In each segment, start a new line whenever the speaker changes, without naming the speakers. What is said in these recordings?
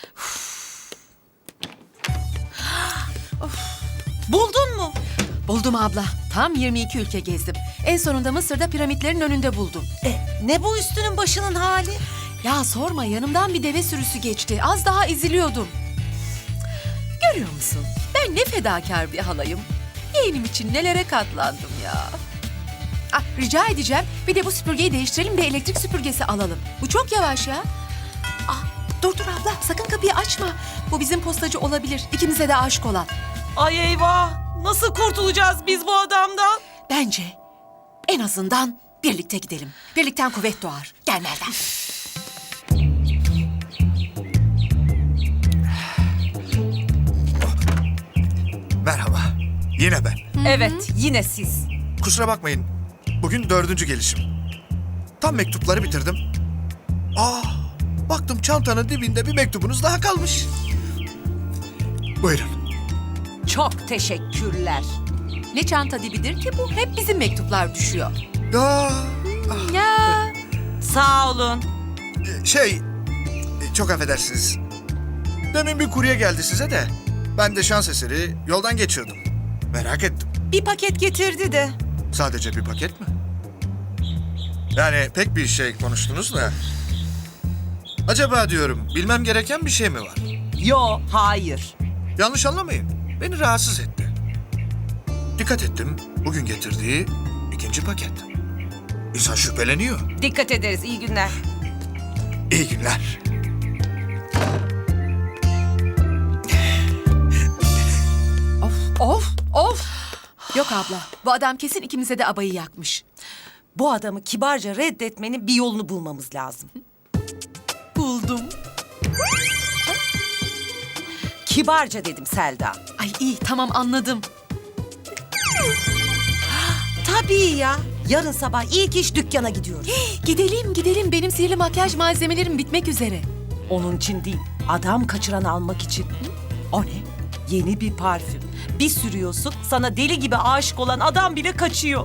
Buldun mu?
Buldum abla. Tam 22 ülke gezdim. En sonunda Mısır'da piramitlerin önünde buldum.
Ne bu üstünün başının hali?
Ya sorma, yanımdan bir deve sürüsü geçti. Az daha eziliyordum. Görüyor musun? Ben ne fedakar bir halayım. Yeğenim için nelere katlandım ya. Ah, rica edeceğim. Bir de bu süpürgeyi değiştirelim de elektrik süpürgesi alalım. Bu çok yavaş ya. Ah, dur abla, sakın kapıyı açma. Bu bizim postacı olabilir. İkimize de aşık olan.
Ay eyvah! Nasıl kurtulacağız biz bu adamdan?
Bence en azından birlikte gidelim. Birlikten kuvvet doğar. Gel Melda.
Merhaba. Yine ben.
Evet, yine siz.
Kusura bakmayın. Bugün 4. gelişim. Tam mektupları bitirdim. Baktım çantanın dibinde bir mektubunuz daha kalmış. Buyurun.
Çok teşekkürler.
Ne çanta dibidir ki bu? Hep bizim mektuplar düşüyor.
Ya
Ya.
Sağ olun.
çok affedersiniz. Demin bir kurye geldi size de. Ben de şans eseri yoldan geçiyordum. Merak ettim.
Bir paket getirdi de.
Sadece bir paket mi? Yani pek bir şey konuştunuz da. Acaba diyorum bilmem gereken bir şey mi var?
Yo, hayır.
Yanlış anlamayın. Beni rahatsız etti. Dikkat ettim. Bugün getirdiği 2. paket. İnsan şüpheleniyor.
Dikkat ederiz, iyi günler.
İyi günler.
Of. Yok abla. Bu adam kesin ikimize de abayı yakmış.
Bu adamı kibarca reddetmenin bir yolunu bulmamız lazım.
Buldum.
Kibarca dedim Selda.
Ay iyi, tamam, anladım.
Tabii ya. Yarın sabah ilk iş dükkana gidiyoruz.
Gidelim. Benim sihirli makyaj malzemelerim bitmek üzere.
Onun için değil, adam kaçıran almak için. O ne? Yeni bir parfüm. Bir sürüyorsun, sana deli gibi aşık olan adam bile kaçıyor.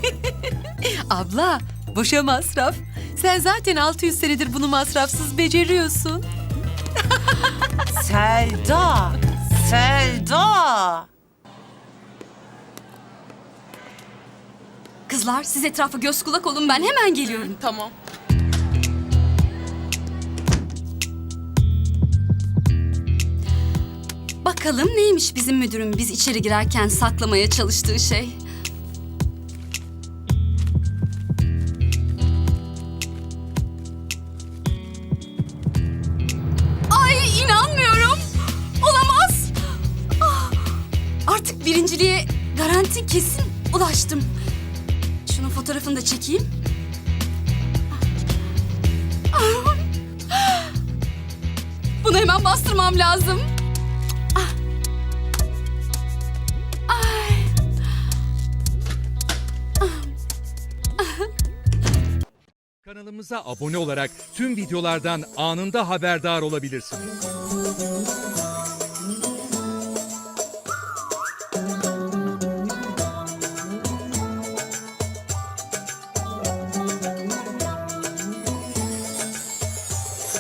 Abla, boşa masraf. Sen zaten 600 senedir bunu masrafsız beceriyorsun.
Selda!
Kızlar, siz etrafa göz kulak olun, ben hemen geliyorum. Tamam. Bakalım neymiş bizim müdürün biz içeri girerken saklamaya çalıştığı şey. Ay, inanmıyorum. Olamaz. Ah, artık birinciliğe garanti kesin ulaştım. Şunun fotoğrafını da çekeyim. Bunu hemen bastırmam lazım.
Kanalımıza abone olarak tüm videolardan anında haberdar olabilirsiniz.